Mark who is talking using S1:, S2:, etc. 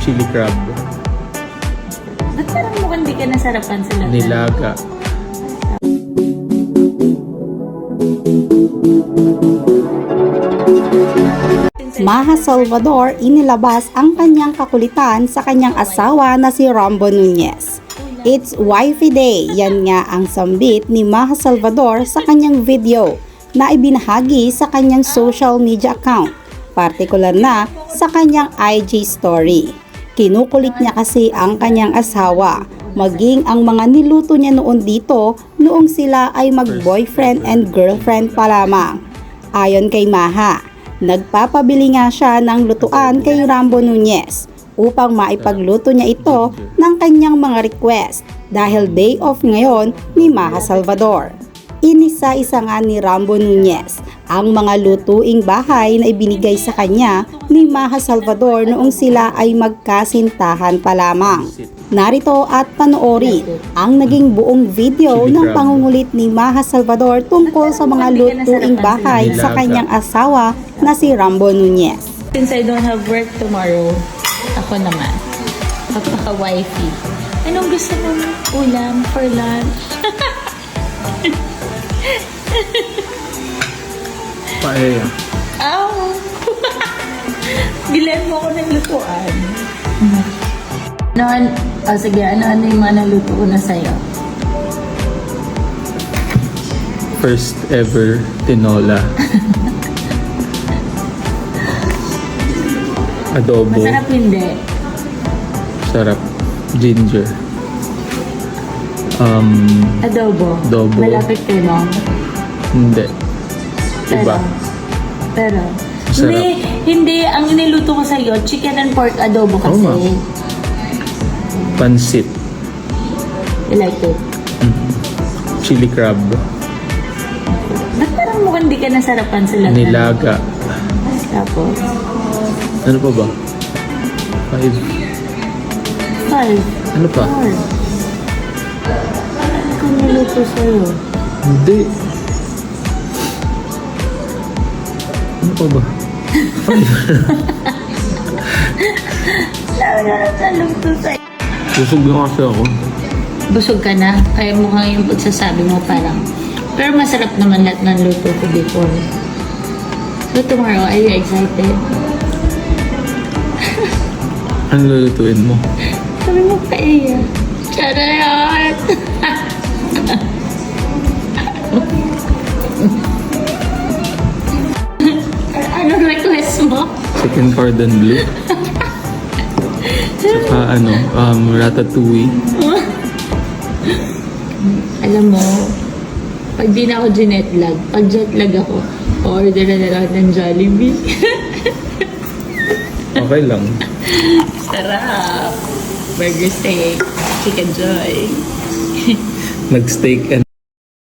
S1: chili crab.
S2: Ba't parang mukhang di ka nasarapan sa lahat?
S1: Nilaga.
S3: Maha Salvador inilabas ang kanyang kakulitan sa kanyang asawa na si Rambo Nunez. It's Wifey Day, yan nga ang sambit ni Maha Salvador sa kanyang video na ibinahagi sa kanyang social media account, partikular na sa kanyang IG story. Kinukulit niya kasi ang kanyang asawa, maging ang mga niluto niya noon dito noong sila ay mag-boyfriend and girlfriend pa lamang. Ayon kay Maha, nagpapabili nga siya ng lutuan kay Rambo Nunez upang maipagluto niya ito ng kanyang mga request dahil day off ngayon ni Maha Salvador. Inisa-isa nga ni Rambo Nunez ang mga lutuing bahay na ibinigay sa kanya ni Maha Salvador noong sila ay magkasintahan pa lamang. Narito at panoorin ang naging buong video ng pangungulit ni Maha Salvador tungkol sa mga lutuing bahay sa kanyang asawa na si Rambo Nunez.
S2: Since I don't have work tomorrow, ako naman, kapaka-wifey. Anong gusto mong ulam for lunch?
S1: Paella.
S2: Oh! Bilan mo ako ng lutuan. Sige, ano yung mga naluto ko na sa'yo?
S1: First ever tinola. Adobo.
S2: Masarap hindi.
S1: Sarap. Ginger.
S2: Adobo.
S1: Adobo.
S2: Malapit kay mom.
S1: Hindi. Iba.
S2: Pero
S1: Sarap.
S2: hindi. Ang niluto ko sa'yo, chicken and pork adobo kasi.
S1: Oo nga. Pansit.
S2: You like it?
S1: Chili crab.
S2: Ba't parang mukhang di ka nasarapan sa lahat?
S1: Nilaga.
S2: Tapos?
S1: Ano pa ba? 5.
S2: 5.
S1: Ano pa?
S2: 4. Ano kang niluto sa'yo?
S1: Hindi. Ano pa ba? 5.
S2: Naluto sa'yo.
S1: Busog na kasi ako.
S2: Busog ka na? Kaya mukhang yung pagsasabi mo parang. Pero masarap naman lahat ng luto ko before. So tomorrow, are you excited?
S1: Ano lulutuin mo?
S2: Sabi mo paella. Charot! Anong request mo?
S1: Chicken cordon bleu. Saka ratatouille.
S2: Alam mo, pag di na ako ginetlag, pag jetlag ako, order na lang ng Jollibee.
S1: Okay lang.
S2: Sarap! Burger steak, chicken joy.
S1: Nag-steak and